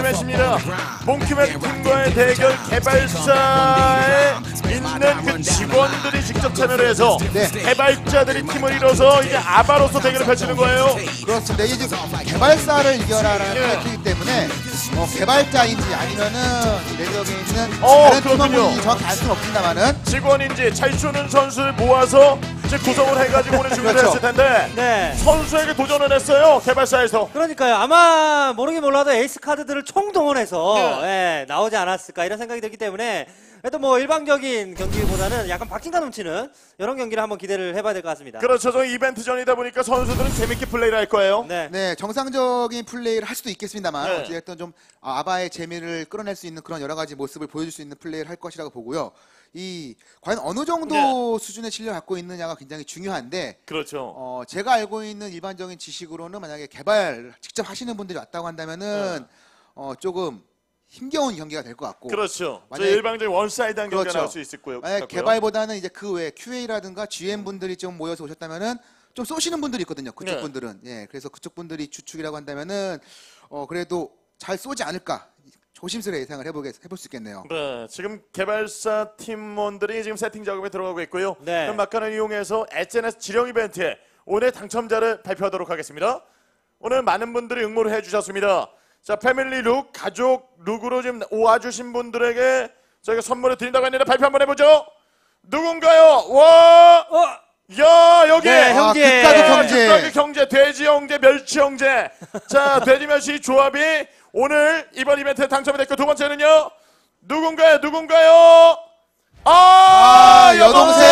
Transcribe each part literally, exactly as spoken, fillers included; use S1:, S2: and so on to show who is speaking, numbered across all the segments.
S1: 매치입니다. 몽키맨 팀과의 대결 개발사에 있는 그 직원들이 직접 참여를 해서
S2: 네.
S1: 개발자들이 팀을 이뤄서 이제 아바로서 대결을 펼치는 거예요.
S2: 그렇습니다. 이게 지금 개발사를 이겨라라는
S1: 예.
S2: 타이틀이기 때문에 어, 개발자인지 아니면은 레드업에 있는
S1: 어,
S2: 다른
S1: 그렇군요.
S2: 팀원분이 정확히 알 수는 없습니다만은
S1: 직원인지 잘 쏘는 선수를 모아서 이제 구성을 해가지고 오늘 준비를
S2: 그렇죠.
S1: 했을 텐데
S3: 네.
S1: 선수에게 도전을 했어요. 개발사에서.
S3: 그러니까요. 아마 모르긴 몰라도 에이스 카드들을 총동원해서
S1: 네.
S3: 예, 나오지 않았을까 이런 생각이 들기 때문에 그래도 뭐 일방적인 경기보다는 약간 박진감 넘치는 이런 경기를 한번 기대를 해봐야 될 것 같습니다.
S1: 그렇죠. 저 이벤트전이다 보니까 선수들은 재밌게 플레이를 할 거예요.
S3: 네.
S2: 네, 정상적인 플레이를 할 수도 있겠습니다만
S1: 네.
S2: 어찌됐든 좀 아바의 재미를 끌어낼 수 있는 그런 여러 가지 모습을 보여줄 수 있는 플레이를 할 것이라고 보고요. 이 과연 어느 정도
S1: 네.
S2: 수준의 실력을 갖고 있느냐가 굉장히 중요한데
S1: 그렇죠.
S2: 어, 제가 알고 있는 일반적인 지식으로는 만약에 개발 직접 하시는 분들이 왔다고 한다면은
S1: 네.
S2: 어, 조금 힘겨운 경기가 될 것 같고
S1: 그렇죠. 저
S2: 만약에-
S1: 일방적인 원사이드한 경기가
S2: 그렇죠.
S1: 나올 수 있을 거예요.
S2: 만약 개발보다는 이제 그 외에 큐에이라든가 지엠 분들이 좀 모여서 오셨다면은 좀 쏘시는 분들이 있거든요. 그쪽
S1: 네.
S2: 분들은 예, 그래서 그쪽 분들이 주축이라고 한다면은 어 그래도 잘 쏘지 않을까 조심스레 예상을 해보게 해볼 수 있겠네요.
S1: 네, 지금 개발사 팀원들이 지금 세팅 작업에 들어가고 있고요.
S3: 네.
S1: 그럼 막간을 이용해서 에스엔에스 지령 이벤트에 오늘 당첨자를 발표하도록 하겠습니다. 오늘 많은 분들이 응모를 해주셨습니다. 자, 패밀리 룩, 가족 룩으로 지금 오와주신 분들에게 저희가 선물을 드린다고 했는데 발표 한번 해보죠. 누군가요? 와!
S3: 어!
S1: 야, 여기!
S3: 네,
S2: 아,
S3: 형제.
S2: 극가극 형제.
S1: 극가극 형제, 돼지 형제, 멸치 형제. 자, 돼지 멸치 조합이 오늘 이번 이벤트에 당첨이 됐고 두 번째는요. 누군가요? 누군가요? 아,
S2: 아,
S1: 여동생!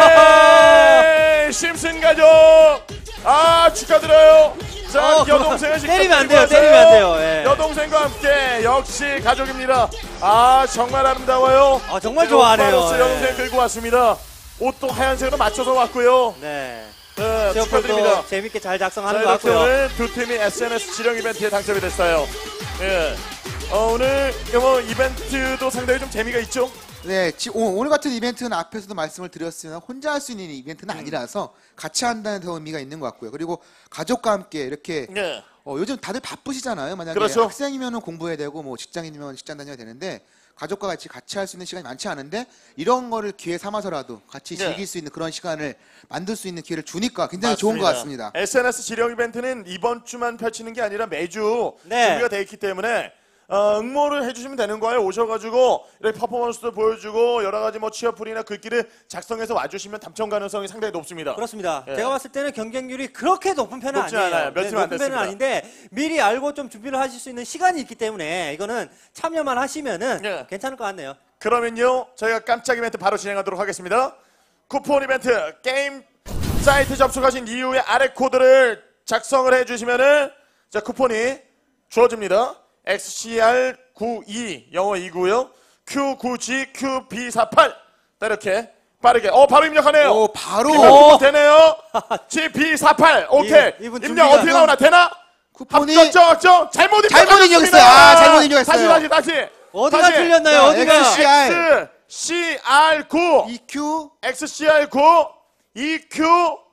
S1: 심슨 가족! 아, 축하드려요. 자,
S3: 어,
S1: 여동생을 직접
S3: 때리면 안 돼요,
S1: 데리고
S3: 때리면 안
S1: 왔어요.
S3: 돼요, 예.
S1: 여동생과 함께 역시 가족입니다. 아, 정말 아름다워요.
S3: 아, 정말 좋아하네요.
S1: 오빠로서
S3: 예.
S1: 여동생 들고 왔습니다. 옷도 하얀색으로 맞춰서 왔고요.
S3: 네.
S1: 네, 축하드립니다.
S3: 지역별도 재밌게 잘
S1: 자,
S3: 작성하는 것
S1: 이렇게
S3: 같고요.
S1: 오늘 두 팀이 에스엔에스 지령 이벤트에 당첨이 됐어요. 예. 어, 오늘 뭐 이벤트도 상당히 좀 재미가 있죠?
S2: 네, 지, 오, 오늘 같은 이벤트는 앞에서도 말씀을 드렸으면 혼자 할 수 있는 이벤트는 아니라서 같이 한다는 더 의미가 있는 것 같고요. 그리고 가족과 함께 이렇게
S1: 예.
S2: 어, 요즘 다들 바쁘시잖아요. 만약에
S1: 그렇죠.
S2: 학생이면 공부해야 되고 뭐 직장인이면 직장 다녀야 되는데 가족과 같이 같이 할 수 있는 시간이 많지 않은데 이런 거를 기회 삼아서라도 같이
S1: 네.
S2: 즐길 수 있는 그런 시간을 만들 수 있는 기회를 주니까 굉장히 좋은 것 같습니다.
S1: 에스엔에스 지령 이벤트는 이번 주만 펼치는 게 아니라 매주
S3: 네.
S1: 준비가 돼 있기 때문에 어, 응모를 해주시면 되는 거예요. 오셔가지고 이렇게 퍼포먼스도 보여주고 여러 가지 뭐 취업풀이나 글귀를 작성해서 와주시면 당첨 가능성이 상당히 높습니다.
S3: 그렇습니다.
S1: 예.
S3: 제가 봤을 때는 경쟁률이 그렇게 높은 편은
S1: 높지
S3: 아니에요.
S1: 않아요. 몇
S3: 네,
S1: 팀안
S3: 높은 편은
S1: 됐습니다.
S3: 아닌데 미리 알고 좀 준비를 하실 수 있는 시간이 있기 때문에 이거는 참여만 하시면은
S1: 예.
S3: 괜찮을 것 같네요.
S1: 그러면요 저희가 깜짝 이벤트 바로 진행하도록 하겠습니다. 쿠폰 이벤트 게임 사이트 접속하신 이후에 아래 코드를 작성을 해주시면은 자 쿠폰이 주어집니다. 엑스씨알 구십이 영어 이고요. 큐 구 지 큐 비 사팔 이렇게 빠르게 어 바로 입력하네요.
S2: 오, 바로
S1: 입력 되네요. 지 비 사팔 오케이.
S3: 이- 이분
S1: 입력
S3: 준비가-
S1: 어떻게 나오나 되나?
S2: 쿠폰이
S1: 합격정 확정 잘못
S2: 잘못
S1: 입력하셨습니다.
S2: 입력했어요. 아, 잘못 입력했어요.
S1: 다시 다시 다시.
S3: 어디가
S1: 다시.
S3: 틀렸나요?
S2: 자,
S3: 어디가?
S2: 엑스씨알.
S1: 엑스씨알 구
S2: 이큐
S1: 엑스씨알 구 이큐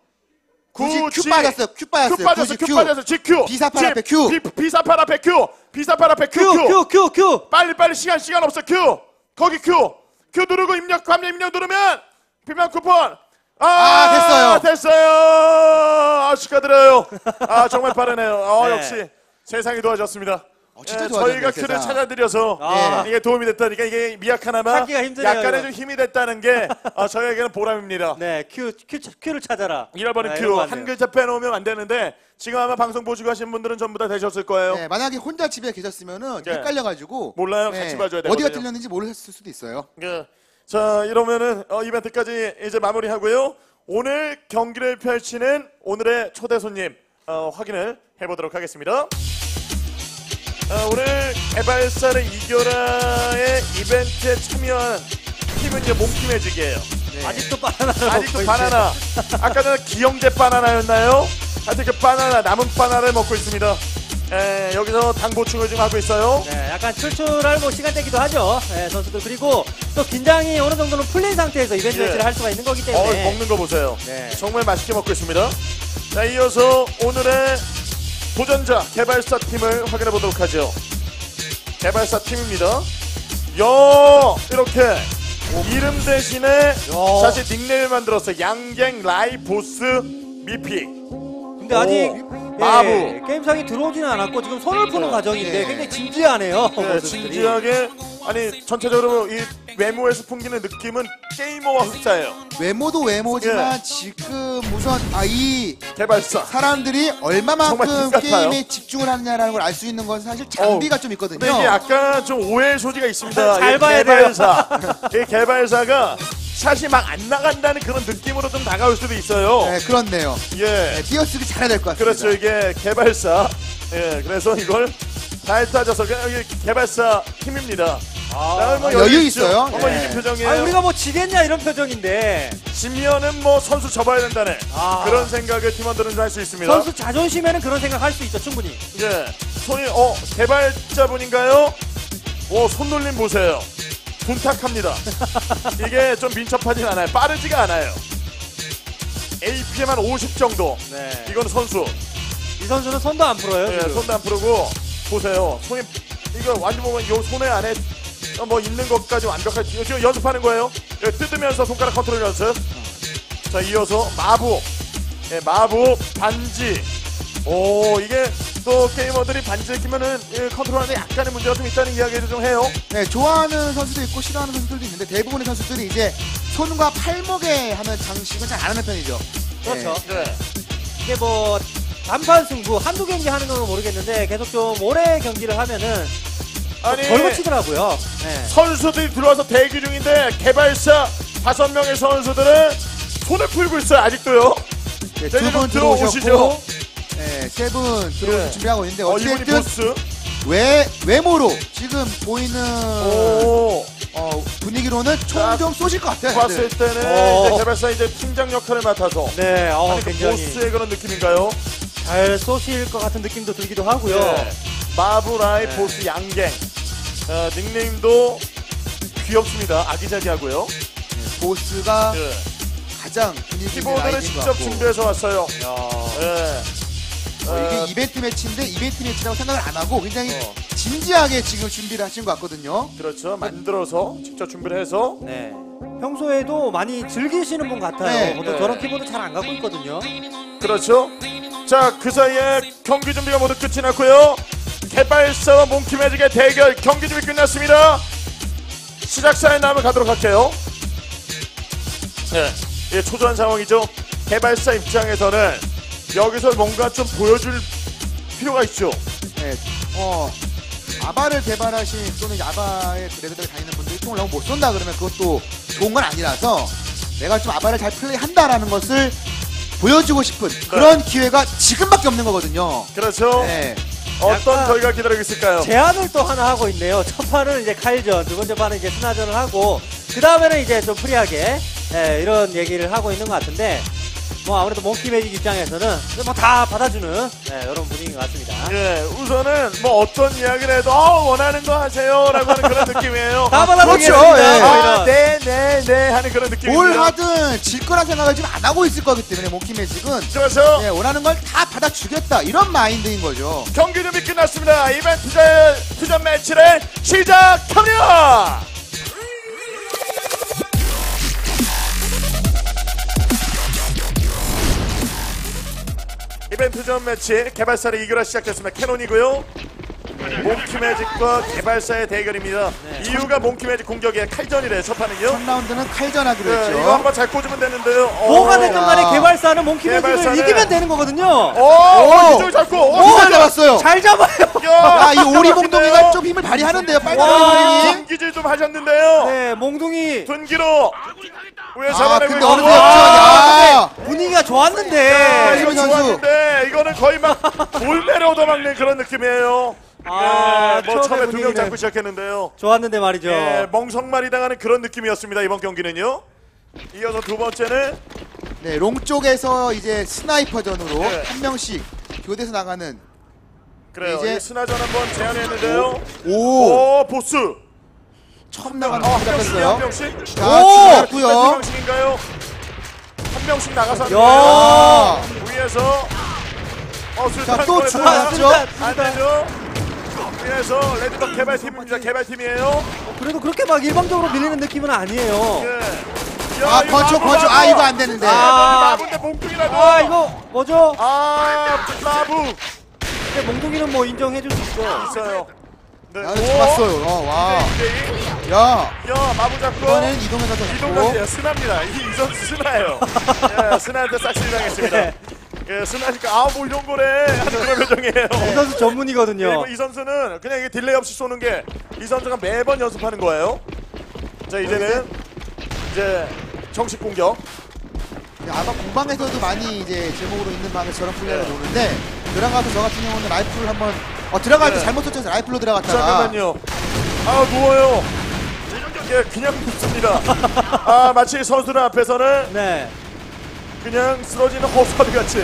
S2: 굳이
S1: 구
S2: 큐 빠졌어요. 큐 빠졌어요.
S1: 큐 빠졌어.
S2: 굳이
S1: 큐 빠졌어. 지큐.
S2: 비사팔 앞에 큐.
S1: 비, 비사팔 앞에 큐. 비사팔 앞에 큐.
S3: 큐, 큐, 큐, 큐.
S1: 빨리 빨리 시간 시간 없어. 큐. 거기 큐. 큐 누르고 입력 감리 입력 누르면 비만 쿠폰. 아,
S2: 아, 됐어요.
S1: 됐어요. 아, 축하드려요. 아, 정말 빠르네요. 어,
S3: 네.
S1: 역시 세상이 도와줬습니다.
S2: 어, 진짜
S1: 예,
S2: 도와줬네요,
S1: 저희가 큐를
S2: 세상.
S1: 찾아드려서
S3: 아.
S1: 이게 도움이 됐다니까 이게 미약하나마
S3: 찾기가 힘드네요,
S1: 약간의
S3: 이거.
S1: 좀 힘이 됐다는 게 어, 저희에게는 보람입니다.
S3: 네, 큐, 큐, 큐를 찾아라.
S1: 잃어버린
S3: 네,
S1: 큐
S3: 이런 거
S1: 한
S3: 같네요.
S1: 글자 빼놓으면 안 되는데 지금 아마 방송 보시고 하신 분들은 전부 다 되셨을 거예요.
S2: 네, 만약에 혼자 집에 계셨으면은
S1: 네.
S2: 헷갈려가지고
S1: 몰라요. 같이 봐줘야 되거든요.
S2: 어디가 틀렸는지 모르셨을 수도 있어요.
S1: 예. 자 이러면은 어, 이벤트까지 이제 마무리하고요. 오늘 경기를 펼치는 오늘의 초대 손님 어, 확인을 해보도록 하겠습니다. 어, 오늘 개발사를 이겨라의 이벤트에 참여한 팀은 이제 몽키 매직이에요.
S3: 네. 아직도 바나나를
S1: 아직도
S3: 먹고
S1: 바나나. 아까 전에 기영제 바나나였나요? 하여튼 그 바나나 남은 바나나를 먹고 있습니다. 에, 여기서 당 보충을 좀 하고 있어요.
S3: 네, 약간 출출할 뭐 시간대기도 하죠. 네, 선수들. 그리고 또 긴장이 어느 정도는 풀린 상태에서 이벤트
S1: 예.
S3: 매치를 할 수가 있는 거기
S1: 어,
S3: 때문에.
S1: 먹는 거 보세요.
S3: 네.
S1: 정말 맛있게 먹고 있습니다. 자, 이어서 오늘의 도전자 개발사 팀을 확인해 보도록 하죠. 개발사 팀입니다. 야 이렇게 이름 대신에 사실 닉네임을 만들었어요. 양갱, 라이, 보스, 미피.
S3: 근데 아직
S1: 마부.
S3: 예, 게임상에 들어오지는 않았고 지금 손을 푸는 과정인데
S2: 네.
S3: 굉장히 진지하네요.
S1: 네,
S3: 모습들이.
S1: 진지하게 아니 전체적으로 이 외모에서 풍기는 느낌은 게이머와 흡사해요.
S2: 외모도 외모지만
S1: 예.
S2: 지금 우선 아, 이
S1: 개발사.
S2: 사람들이
S1: 정말
S2: 얼마만큼
S1: 똑같아요.
S2: 게임에 집중을 하느냐라는 걸 알 수 있는 건 사실 장비가 좀 있거든요.
S1: 근데 이게 약간 좀 오해의 소지가 있습니다.
S3: 잘
S1: 이
S3: 봐야
S1: 개발사. 이 개발사가 샷이 막 안 나간다는 그런 느낌으로 좀 다가올 수도 있어요.
S2: 네, 그렇네요.
S1: 예.
S2: 네, 띄어쓰기 잘해야 될 것 같습니다.
S1: 그렇죠. 이게 개발사. 예. 그래서 이걸 잘 따져서 그냥 이게 개발사 팀입니다. 아, 뭐
S2: 여유
S1: 있죠.
S2: 있어요.
S1: 한번
S2: 네.
S1: 이긴 표정이에요.
S3: 아 우리가 뭐 지겠냐 이런 표정인데
S1: 지면은 뭐 선수 접어야 된다는
S3: 아.
S1: 그런 생각을 팀원들은 할 수 있습니다.
S3: 선수 자존심에는 그런 생각 할 수 있죠 충분히.
S1: 예. 손이 어 개발자분인가요? 오 손놀림 보세요. 둔탁합니다. 이게 좀 민첩하진 않아요. 빠르지가 않아요. 에이피엠 한 오십 정도.
S3: 네.
S1: 이건 선수.
S3: 이 선수는 손도 안 풀어요.
S1: 예,
S3: 지금.
S1: 손도 안 풀고 보세요. 손이 이거 완전 보면 요 손에 안에 뭐 있는 것까지 완벽하게 지금 연습하는 거예요. 예, 뜯으면서 손가락 컨트롤 연습. 자 이어서 마부, 예, 마부 반지. 오 이게 또 게이머들이 반지를 끼면은 예, 컨트롤하는데 약간의 문제가 좀 있다는 이야기를 좀 해요.
S2: 네, 좋아하는 선수도 있고 싫어하는 선수들도 있는데 대부분의 선수들이 이제 손과 팔목에 하는 장식은 잘 안 하는 편이죠.
S3: 그렇죠.
S1: 네.
S3: 이게 뭐 단판 승부 한두 경기 하는 건 모르겠는데 계속 좀 오래 경기를 하면은
S1: 아니
S3: 덜 거치더라고요. 네.
S1: 선수들이 들어와서 대기 중인데 개발사 다섯 명의 선수들은 손을 풀고 있어요 아직도요.
S2: 네,
S1: 네,
S2: 두 분
S1: 들어오시죠.
S2: 들어오셨고 네, 세 분 들어오실
S1: 네.
S2: 준비하고 있는데
S1: 어 이분이
S2: 어쨌든
S1: 보스.
S2: 외, 외모로 지금 보이는
S1: 오.
S2: 어, 분위기로는 총 좀 쏘실 것 같아요.
S1: 봤을
S2: 다들.
S1: 때는
S3: 어.
S1: 이제 개발사 이제 팀장 역할을 맡아서
S3: 네, 어,
S1: 아니, 그
S3: 굉장히
S1: 보스의 그런 느낌인가요?
S3: 잘 쏘실 것 같은 느낌도 들기도 하고요.
S1: 네. 마브라이
S3: 네.
S1: 보스 양갱. 어, 닉네임도 귀엽습니다. 아기자기하고요.
S2: 네, 보스가
S1: 네.
S2: 가장 분위기 있는
S1: 키보드는
S2: 라인인 것
S1: 직접
S2: 같고
S1: 준비해서 왔어요.
S3: 야.
S1: 네.
S2: 어,
S1: 어,
S2: 이게 이벤트 매치인데 이벤트 매치라고 생각을 안 하고 굉장히
S1: 어.
S2: 진지하게 지금 준비를 하신 것 같거든요.
S1: 그렇죠. 만들어서 직접 준비를 해서
S3: 네. 평소에도 많이 즐기시는 분 같아요.
S2: 네.
S3: 보통
S1: 네.
S3: 저런 키보드 잘 안 갖고 있거든요.
S1: 그렇죠. 자, 그 사이에 경기 준비가 모두 끝이 났고요. 개발사와 몽키매직의 대결 경기 준비 끝났습니다. 시작사에 남을 가도록 할게요. 네, 예, 초조한 상황이죠. 개발사 입장에서는 여기서 뭔가 좀 보여줄 필요가 있죠.
S2: 네, 어, 아바를 개발하신 또는 아바의 그래드를 다니는 분들이 총을 너무 못 쏜다 그러면 그것도 좋은 건 아니라서 내가 좀 아바를 잘 플레이한다라는 것을 보여주고 싶은 그런 기회가 지금밖에 없는 거거든요.
S1: 그렇죠.
S2: 네.
S1: 어떤
S3: 약간
S1: 결과 기다리고 있을까요?
S3: 제안을 또 하나 하고 있네요. 첫 판은 이제 칼전, 두 번째 판은 이제 스나전을 하고 그 다음에는 이제 좀 프리하게 예, 이런 얘기를 하고 있는 것 같은데 뭐 아무래도 몽키매직 입장에서는 뭐 다 받아주는 예, 이런 분위기인 것 같습니다.
S1: 예, 우선은 뭐 어떤 이야기를 해도 어, 원하는 거 하세요라고 하는 그런 느낌이에요.
S3: 다 받아주겠습니다.
S2: 그렇죠, 예.
S3: 뭐
S1: 아,
S3: 이런.
S1: 네, 네, 네 하는 그런 느낌입니다.
S2: 뭘 하든 질 거란 생각을 지금 안 하고 있을 거기 때문에 몽키매직은
S1: 그래서
S2: 네, 원하는 걸 다 받아주겠다 이런 마인드인 거죠.
S1: 경기 준비 끝났습니다. 이벤트전 투전 매치를 시작합니다. 이벤트전 매치 개발사를 이겨라 시작됐습니다. 캐논이고요. 몽키매직과 개발사의 대결입니다.
S3: 네.
S1: 이유가 몽키매직 공격의 칼전이래 첫 판은요.
S2: 첫 라운드는 칼전하기로
S1: 네,
S2: 했죠.
S1: 이거 한번 잘 꽂으면 되는데요.
S3: 뭐가
S1: 오.
S3: 됐든 간에 개발사는 몽키매직을
S1: 개발사는-
S3: 이기면 되는 거거든요.
S1: 오, 오, 이쪽을 잡고. 오,
S2: 오,
S1: 잘
S2: 잡았어요.
S3: 잘 잡아요.
S2: 야, 이
S1: 기가
S2: 오리봉동이가
S1: 막히네요.
S2: 좀 힘을 발휘하는데요.
S3: 와.
S2: 빨간
S1: 둔기질 좀 하셨는데요.
S3: 네, 몽둥이
S1: 둔기로 위에
S2: 아,
S1: 잡아내고
S2: 근데
S1: 있고.
S2: 어느
S1: 와,
S2: 야
S3: 분위기가
S1: 아,
S3: 좋았는데.
S1: 이거
S2: 선수.
S1: 좋았는데 이거는 거의 막 돌매를 얻어먹는 그런 느낌이에요.
S3: 아,
S1: 예, 뭐 처음에 두 명
S3: 분위기는
S1: 잡고 시작했는데요.
S3: 좋았는데 말이죠.
S1: 예, 멍석말이 당하는 그런 느낌이었습니다. 이번 경기는요. 이어서 두 번째는
S2: 네, 롱 쪽에서 이제 스나이퍼전으로
S1: 네.
S2: 한 명씩 교대에서 나가는
S1: 그래요.
S2: 이제-
S1: 이제 스나전 한번 제안했는데요.
S2: 오,
S1: 오, 보스.
S2: 처음 나가는
S1: 어,
S2: 거
S1: 한 명씩, 한
S2: 잡혔어요.
S1: 명씩.
S2: 자,
S3: 오!
S2: 죽었고요.
S1: 몇 명씩인가요? 한 명씩 나가서 하는
S3: 야.
S1: 거예요.
S2: 아,
S1: 위에서 어,
S2: 자,
S1: 술탄
S2: 또
S1: 거에서
S2: 들어갔죠?
S1: 안 되죠. 위에서 레드덕 개발팀입니다. 개발팀이에요.
S3: 그래도 그렇게 막 일방적으로 밀리는 느낌은 아니에요.
S1: 예.
S2: 아,
S1: 이거
S2: 건초,
S1: 마부,
S2: 건초.
S1: 마부.
S2: 아, 이거 안 되는데.
S1: 아, 마부인데 몽둥이라도.
S3: 아 이거 뭐죠?
S1: 아, 마부
S3: 근데 몽둥이는 뭐 인정해줄 수 있어.
S1: 있어요. 네.
S2: 야, 잡았어요. 어, 와.
S1: 네.
S2: 야,
S1: 야, 마부 잡고.
S2: 이번에는 이동해서 잡고.
S1: 이동갑니다. 스나입니다. 이, 이 선수 스나예요. 예, 스나한테 싹쓸이 당했습니다.
S3: 네.
S1: 예, 스나니까 아, 뭐 이런 거래 하는 그런 표정이에요.
S3: 이 선수 전문이거든요.
S1: 이 선수는 그냥 이게 딜레이 없이 쏘는 게 이 선수가 매번 연습하는 거예요. 자, 이제는 이제 정식 공격.
S2: 아마 공방에서도 많이 이제 제목으로 있는 방에 저런 플레이를
S1: 네.
S2: 노는데 들어가서 저 같은 경우는 라이플을 한번 어 들어갈 때
S1: 네.
S2: 잘못 설정해서 라이플로 들어갔다가
S1: 잠깐만요. 아, 누워요. 예, 그냥 눕습니다. 아, 마치 선수들 앞에서는
S3: 네.
S1: 그냥 쓰러지는 허수아비 같이.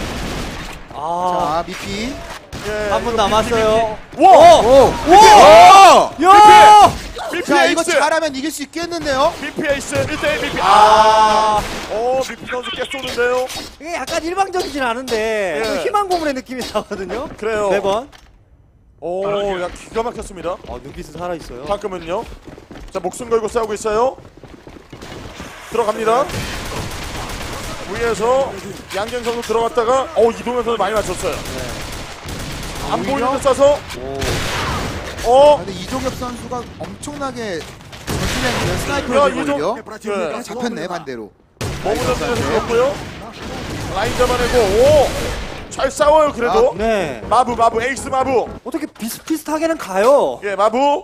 S3: 아.
S2: 자 미피
S1: 예,
S3: 한 분
S1: 이거
S3: 남았어요.
S1: 비- 비- 비- 와!
S2: 오!
S3: 와!
S2: 오!
S3: 야!
S1: 비피
S2: 자 이거
S1: 에이스!
S2: 잘하면 이길 수 있겠는데요?
S1: 비피 에이스 일 대 일 비피.
S3: 아.
S1: 아! 오, 비피 선수 꽤 쏘는데요?
S3: 이게 약간 일방적이진 않은데
S1: 예.
S3: 좀 희망 고문의 느낌이 나거든요.
S1: 그래요.
S3: 매번.
S1: 오, 야, 기가 막혔습니다.
S3: 아, 눈빛은 살아 있어요.
S1: 방금은요. 자, 목숨 걸고 싸우고 있어요. 들어갑니다. 위에서 양경 선수 들어갔다가 어, 이동현 선수 많이 맞췄어요. 안
S2: 오히려?
S1: 보이는데 쏴서
S3: 오.
S2: 아,
S1: 어?
S2: 근데 이종엽 선수가 엄청나게 전술량이면
S1: 야,
S2: 스나이퍼를
S1: 이종-
S2: 걸려
S1: 네.
S2: 잡혔네 반대로.
S1: 몸을 던지면서 죽었고요. 라인 잡아내고 오! 잘 싸워요 그래도.
S3: 네.
S1: 마부 마부 에이스 마부.
S3: 어떻게 비슷비슷하게는 가요.
S1: 예, 마부.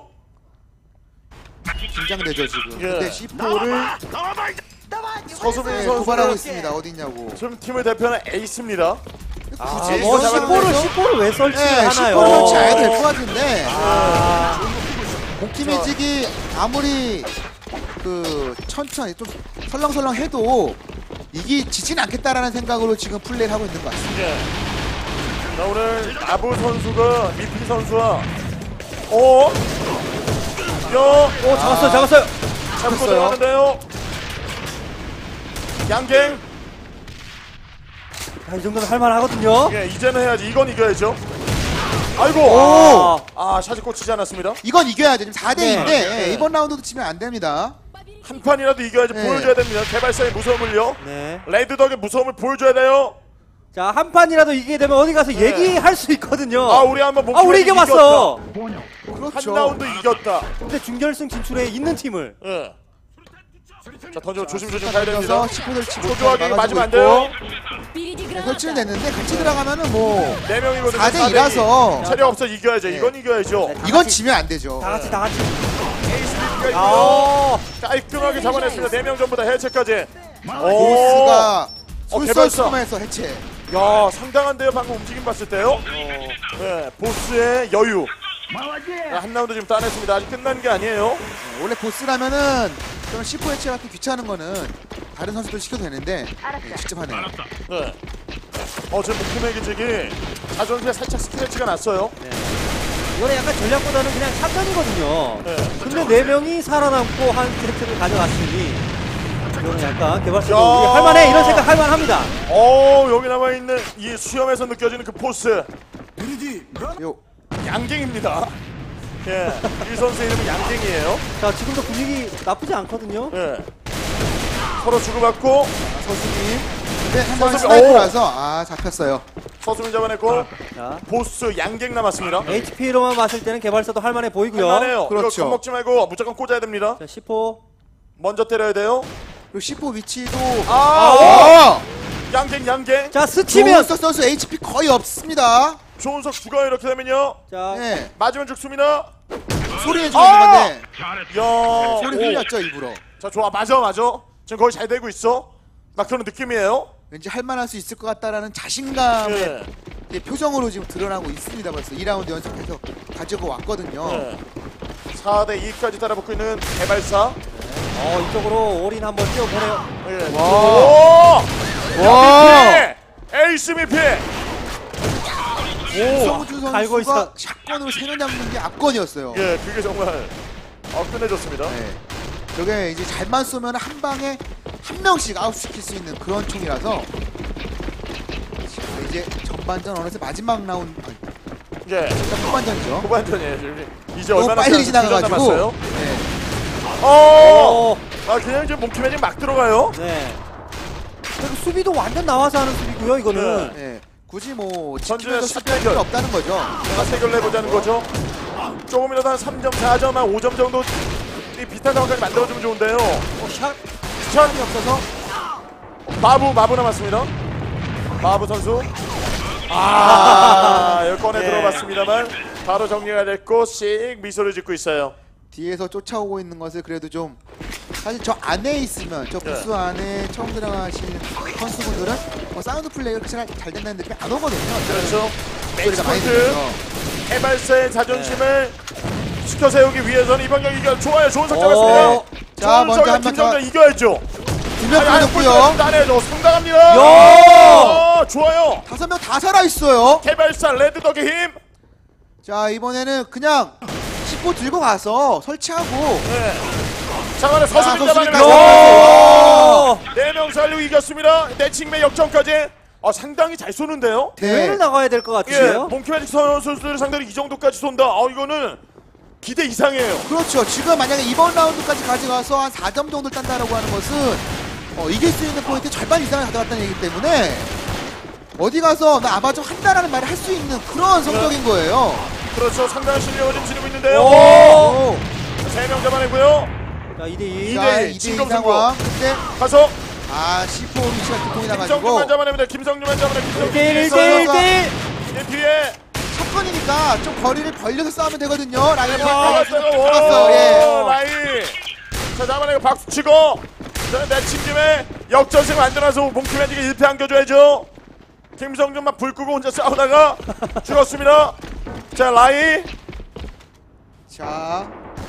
S2: 긴장되죠 지금.
S1: 예.
S2: 근데 씨포를
S1: 서수빈
S2: 네,
S1: 선수
S2: 도발하고 있습니다. 어디 있냐고.
S1: 지금 팀을 대표하는 에이스입니다.
S3: 아,
S2: 굳이
S3: 뭐
S2: 이거
S3: 십포를
S2: 상황에서?
S3: 십포를 왜 설치를
S2: 네,
S3: 하나요?
S2: 씨포를 설치해야 될 것 같은데
S3: 아.
S2: 공팀 매직이 아무리 그 천천히 좀 설렁설렁 해도 이기 지진 않겠다라는 생각으로 지금 플레이를 하고 있는 것 같습니다.
S1: 예. 자, 오늘 마부 선수가 미피 선수와 어? 야,
S3: 오, 잡았어요. 잡았어요.
S1: 잡고
S2: 잡혔어요.
S1: 들어가는데요. 양갱.
S3: 자, 이 정도면 할만 하거든요.
S1: 예, 이제는 해야지. 이건 이겨야죠. 아이고.
S3: 오.
S1: 아, 샷이 꽂히지 않았습니다.
S2: 이건 이겨야죠. 지금 사 대 이인데
S1: 네.
S2: 이번 라운드도 치면 안 됩니다.
S1: 한 판이라도 이겨야지.
S2: 네.
S1: 보여줘야 됩니다. 개발사의 무서움을요.
S3: 네.
S1: 레드덕의 무서움을 보여줘야 돼요.
S3: 자, 한 판이라도 이기게 되면 어디 가서 얘기할 수 있거든요.
S1: 아, 우리 한번
S3: 아, 우리 이겨봤어.
S1: 한
S2: 그렇죠.
S1: 라운드 이겼다.
S3: 근데 준결승 진출에 있는 팀을.
S1: 예. 자, 던지면 조심조심 가야 됩니다.
S2: 던져서 치포들 치고
S1: 초조하게
S2: 막아주고
S1: 맞으면 안
S2: 있고.
S1: 돼요.
S2: 네, 설치는 됐는데 같이 들어가면은 뭐
S1: 네 명이거든요.
S2: 사 대 이라서
S1: 체력 없어 이겨야죠.
S2: 네.
S1: 이건 이겨야죠.
S3: 네.
S2: 이건 지면 안 되죠.
S3: 다 같이 다 같이.
S1: 에이스 비피가 이기고
S3: 아.
S1: 깔끔하게 잡아냈습니다. 네 명 전부 다 해체까지.
S2: 보스가
S1: 어, 개발사.
S2: 솔솔스톰에서 해체.
S1: 야, 상당한데요. 방금 움직임 봤을 때요. 네, 보스의 여유. 야, 한 라운드 지금 따냈습니다. 아직 끝난 게 아니에요.
S2: 원래 보스라면은 그런 씨포 해체 같은 귀찮은 거는 다른 선수들 시켜도 되는데 네, 직접 하네요.
S1: 네. 어, 지금 목숨의 기직이 자존심에 살짝 스크래치가 났어요.
S3: 이거는 약간 전략보다는 그냥 샷전이거든요.
S1: 네.
S3: 근데 네 명이 살아남고 한 세트를 가져갔으니 이거는 약간 개발사도
S1: 야.
S3: 우리 할만해 이런 생각 할만합니다.
S1: 어, 여기 남아있는 이 수염에서 느껴지는 그 포스.
S2: 요
S1: 양갱입니다. 예, 이 선수 이름은 양갱이에요.
S3: 자, 지금도 분위기 나쁘지 않거든요.
S1: 예. 서로 주고받고
S2: 서수님. 근데 한 번에
S1: 서수님,
S2: 스나이퍼라서 아 잡혔어요.
S1: 서수민 잡아냈고
S3: 자,
S1: 보스 양갱 남았습니다.
S3: 에이치피로만 봤을 때는 개발사도 할만해 보이고요.
S1: 할만해요.
S2: 그렇죠.
S1: 이거 겁먹지 말고 무조건 꽂아야 됩니다.
S3: 자, 십호.
S1: 먼저 때려야 돼요.
S2: 그리고 씨포 위치도
S1: 아,
S2: 어!
S1: 양갱 양갱.
S3: 자, 스치면.
S2: 조은석 선수 에이치피 거의 없습니다.
S1: 조은석 죽어요. 이렇게 되면요.
S3: 자,
S2: 네.
S1: 맞으면 죽습니다.
S2: 소리 해주는
S1: 아!
S2: 건데
S1: 야,
S2: 소리
S1: 오.
S2: 흘렸죠 일부러.
S1: 자, 좋아. 맞아 맞아. 지금 거의 잘 되고 있어. 막 그런 느낌이에요.
S2: 왠지 할만할 수 있을 것 같다라는 자신감의
S1: 예.
S2: 이제 표정으로 지금 드러나고 있습니다. 벌써 이 라운드 연속해서 가지고 왔거든요.
S1: 예. 사 대 이까지 따라붙고 있는 개발사.
S3: 어, 이쪽으로 올인 한번 뛰어보네요.
S1: 예.
S2: 와.
S1: 오!
S2: 와.
S1: 미피! 에이스 미피! 오!
S2: 성주
S3: 갈고
S2: 선수가
S3: 있어.
S2: 샷건으로 세 명 잡는 게 압권이었어요.
S1: 예, 그게 정말 어, 끝내줬습니다.
S2: 네. 저게 이제 잘만 쏘면 한 방에 한 명씩 아웃시킬 수 있는 그런 총이라서 이제 전반전 어느새 마지막 라운드 아니,
S1: 예.
S2: 후반전이죠.
S1: 후반전이에요. 지금 이제
S2: 너무
S1: 얼마나
S2: 빨리
S1: 시간
S2: 지나가가지고.
S1: 남았어요?
S2: 네.
S1: 어!
S3: 오.
S1: 아 그냥 이제 몽키맨이 막 들어가요.
S3: 네. 그리고 수비도 완전 나와서 하는 수비고요. 이거는.
S2: 네. 굳이 뭐
S1: 전진의
S2: 지키면서 수비할
S1: 샷대결.
S2: 필요 없다는 거죠.
S1: 다 해결을 해보자는 거죠. 조금이라도 한 삼 점, 사 점, 한 오 점 정도 이 비슷한 상황까지 만들어주면 좋은데요.
S3: 어, 샷.
S1: 샷이 없어서 마부, 마부 남았습니다. 마부 선수. 아, 여기 꺼내
S3: 예.
S1: 들어봤습니다만 바로 정리가 됐고 씩 미소를 짓고 있어요.
S2: 뒤에서 쫓아오고 있는 것을 그래도 좀 사실 저 안에 있으면 저 부스
S1: 네.
S2: 안에 처음 들어가신 선수분들은 뭐 사운드 플레이가 잘, 잘 된다는 느낌이 안 오거든요.
S1: 그렇죠.
S2: 소리가 많이
S1: 매치포인트
S2: 들려서.
S1: 해발사의 자존심을 지켜 세우기 위해서는 이번 경기 이겨 좋아요. 좋은 석자
S3: 오.
S1: 같습니다.
S2: 자, 먼저 한번
S1: 김정자
S2: 자-
S1: 이겨야죠.
S2: 두명
S1: 아니,
S2: 끊었고요.
S1: 따내죠. 상당합니다.
S3: 야!
S1: 어, 좋아요.
S2: 다섯 명 다 살아있어요.
S1: 개발사 레드덕의 힘.
S2: 자, 이번에는 그냥 씻고 들고 가서 설치하고.
S1: 네. 장안에
S2: 자,
S1: 서수빈
S2: 서수빈
S1: 잡아내면서
S3: 야!
S1: 네명 살리고 이겼습니다. 내칭매 역전까지. 아, 상당히 잘 쏘는데요.
S3: 대회를 나가야 될 것
S1: 예,
S3: 같으세요?
S1: 몽키매직 선수들 상대로 이 정도까지 쏜다. 아, 이거는 기대 이상이에요.
S2: 그렇죠. 지금 만약에 이번 라운드까지 가져가서 한 사 점 정도 딴다라고 하는 것은 어, 이길 수 있는 포인트 절반 이상을 가져갔다는 얘기기 때문에 어디 가서 나 아마 좀 한다라는 말을 할 수 있는 그런 성적인 거예요.
S1: 그렇죠. 상당한 실력을 좀 지니고 있는데요.
S3: 오!
S1: 세 명 잡아내고요.
S3: 자, 이 대 이.
S2: 자,
S1: 대 일,
S2: 이 대 이
S1: 진검승부.
S2: 상황. 근데
S1: 가서
S2: 아, 시포 위치가 두통이
S1: 김성준만
S2: 나가지고
S1: 잡아냅니다. 김성준만 잡아냅니다.
S3: 일 대 일, 일
S1: 김성준
S3: 대 일, 일
S2: 선수가-
S3: 대 일.
S1: 이 뒤에
S2: 첫번이니까 좀 거리를 벌려서 싸우면 되거든요. 라이언
S1: 박았어요.
S2: 박았어. 예.
S1: 라이. 자, 잡아내고 박수 치고. 자, 내친 김에 역전승 만들어서 몽키매직이 일 패 안겨줘야죠. 김성준만 불 끄고 혼자 싸우다가 죽었습니다. 자, 라이.
S2: 자,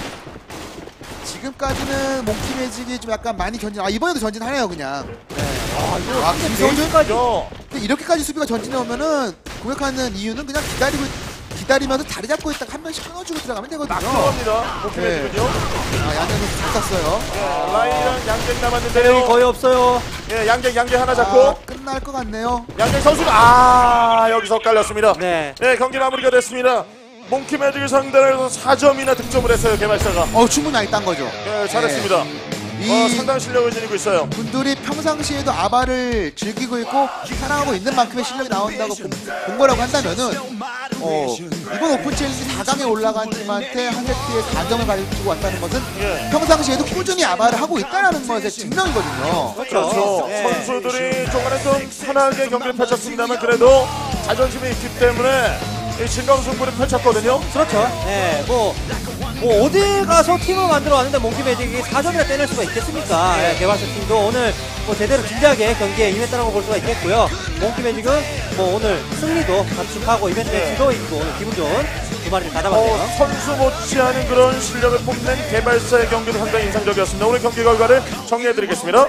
S2: 지금까지는 몽키 매직이 좀 약간 많이 전진. 아, 이번에도 전진하네요, 그냥. 아, 이거 아, 김성준
S1: 죠
S2: 근데 이렇게까지 수비가 전진해 오면은 공격하는 이유는 그냥 기다리고 기다리면서 자리 잡고 있다가 한 명씩 끊어주고 들어가면 되거든요.
S1: 들어갑니다. 몽키매직은요.
S2: 아, 양현우 잘 쐈어요.
S1: 네, 라이랑 양갱
S3: 대회이
S1: 남았는데요.
S3: 거의 없어요.
S1: 예, 양갱 양갱 하나
S2: 아,
S1: 잡고
S2: 끝날 것 같네요.
S1: 양갱 선수가 아 여기서 깔렸습니다.
S3: 네.
S1: 네, 경기 마무리가 됐습니다. 몽키매직을 상대로 해서 사 점이나 득점을 했어요, 개발사가.
S2: 어, 충분히 많이 딴 거죠.
S1: 예, 잘했습니다.
S2: 이
S1: 어, 상당한 실력을 지니고 있어요.
S2: 분들이 평상시에도 아바를 즐기고 있고 사랑하고 있는 만큼의 실력이 나온다고 본, 본 거라고 한다면은 어, 이번 오픈 챌린지 사 강에 올라간 팀한테 한 세트에 사 점을 가지고 왔다는 것은
S1: 예.
S2: 평상시에도 꾸준히 아바를 하고 있다는 것의 증명이거든요.
S1: 그렇죠.
S3: 네.
S1: 선수들이 조금은 좀 편하게 경기를 펼쳤습니다만 그래도 자존심이 있기 때문에 이 진검승부를 펼쳤거든요.
S3: 그렇죠. 네, 뭐, 뭐 어디 가서 팀을 만들어 왔는데 몽키 매직이 사 점이나 떼낼 수가 있겠습니까? 네, 개발사 팀도 오늘 뭐 제대로 진지하게 경기에 임했다고 볼 수가 있겠고요. 몽키 매직은 뭐 오늘 승리도 감축하고 이벤트
S1: 네.
S3: 매치도 있고 오늘 기분 좋은 두 마리를 다
S1: 어,
S3: 잡았네요.
S1: 선수 못지않은 그런 실력을 뽐낸 개발사의 경기도 상당히 인상적이었습니다. 오늘 경기 결과를 정리해드리겠습니다.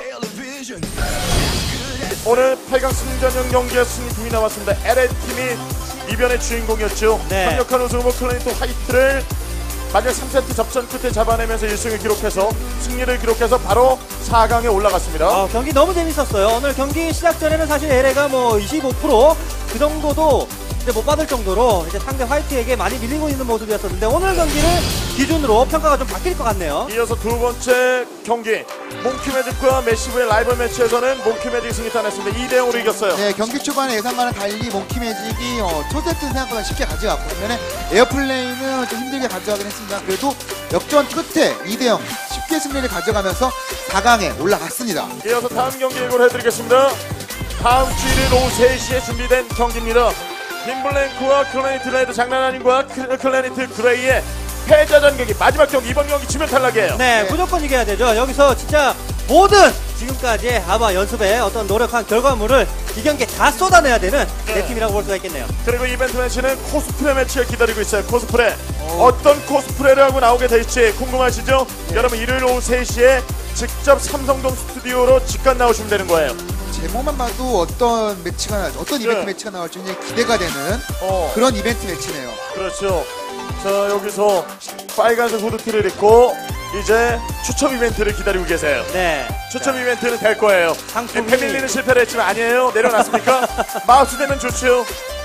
S1: 오늘 팔 강 승전형 경기의 승리팀이 나왔습니다. 엘에이팀이 이변의 주인공이었죠.
S3: 네.
S1: 강력한 우승 후보 클래니트 화이트를 마지막 삼 세트 접전 끝에 잡아내면서 일 승을 기록해서 승리를 기록해서 바로 사 강에 올라갔습니다.
S3: 아, 경기 너무 재밌었어요. 오늘 경기 시작 전에는 사실 엘에이가 뭐 이십오 퍼센트 그 정도도 이제 못 받을 정도로 이제 상대 화이트에게 많이 밀리고 있는 모습이었었는데 오늘 경기를 기준으로 평가가 좀 바뀔 것 같네요.
S1: 이어서 두 번째 경기 몽키매직과 메시브의 라이벌 매치에서는 몽키매직이 승리 따냈습니다. 이 대 영으로 이겼어요.
S2: 네, 경기 초반에 예상과는 달리 몽키 매직이 어, 첫 세트는 생각보다 쉽게 가져갔고 반면에 에어플레이는 좀 힘들게 가져가긴 했습니다. 그래도 역전 끝에 이 대 영 쉽게 승리를 가져가면서 사 강에 올라갔습니다.
S1: 이어서 다음 경기 예고를 해드리겠습니다. 다음 주 일일 오후 세 시에 준비된 경기입니다. 빈블랭크와 클래니트 레드 장난 아닌과 클- 클래니트 그레이의 패자전 경기 마지막 경기. 이번 경기 지면 탈락이에요.
S3: 네,
S2: 네.
S3: 무조건 이겨야 되죠. 여기서 진짜 모든 지금까지 아마 연습에 어떤 노력한 결과물을 이 경기에 다 쏟아내야 되는
S1: 네.
S3: 네 팀이라고 볼 수가 있겠네요.
S1: 그리고 이벤트 매치는 코스프레 매치가 기다리고 있어요. 코스프레 어떤 코스프레를 하고 나오게 될지 궁금하시죠? 여러분 일요일 오후 세 시에 직접 삼성동 스튜디오로 직관 나오시면 되는 거예요.
S2: 제목만 봐도 어떤 매치가 나, 어떤 이벤트
S1: 네.
S2: 매치가 나올지 굉장히 기대가 되는
S1: 어.
S2: 그런 이벤트 매치네요.
S1: 그렇죠. 자, 여기서 빨간색 후드티를 입고 이제 추첨 이벤트를 기다리고 계세요.
S3: 네.
S1: 추첨 이벤트는 될 거예요.
S3: 상품이-
S1: 네, 패밀리는 실패를 했지만 아니에요. 내려놨습니까? 마우스 되면 좋죠.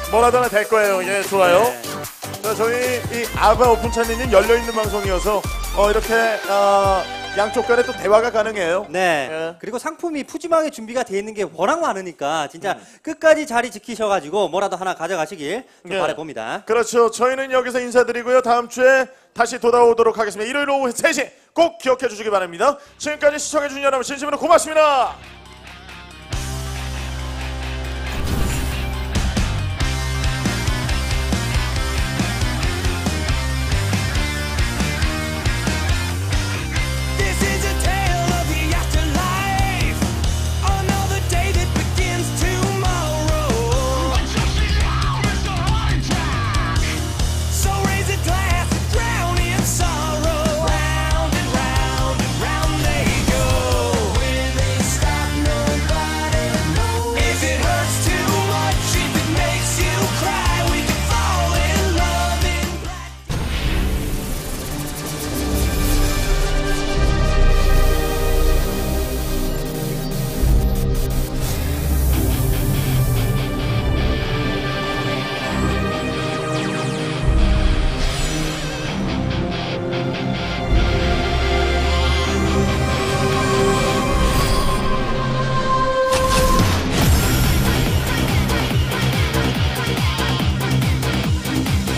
S1: 뭐라도 하나 될 거예요. 예, 좋아요.
S3: 네.
S1: 자, 저희 이 아바 오픈 채널은 열려있는 방송이어서 어, 이렇게 어, 양쪽 간에 또 대화가 가능해요.
S3: 네.
S1: 예.
S3: 그리고 상품이 푸짐하게 준비가 되어 있는 게 워낙 많으니까 진짜
S1: 음.
S3: 끝까지 자리 지키셔가지고 뭐라도 하나 가져가시길 좀
S1: 예.
S3: 바라봅니다.
S1: 그렇죠. 저희는 여기서 인사드리고요. 다음 주에 다시 돌아오도록 하겠습니다. 일요일 오후 세 시 꼭 기억해 주시기 바랍니다. 지금까지 시청해 주신 여러분 진심으로 고맙습니다.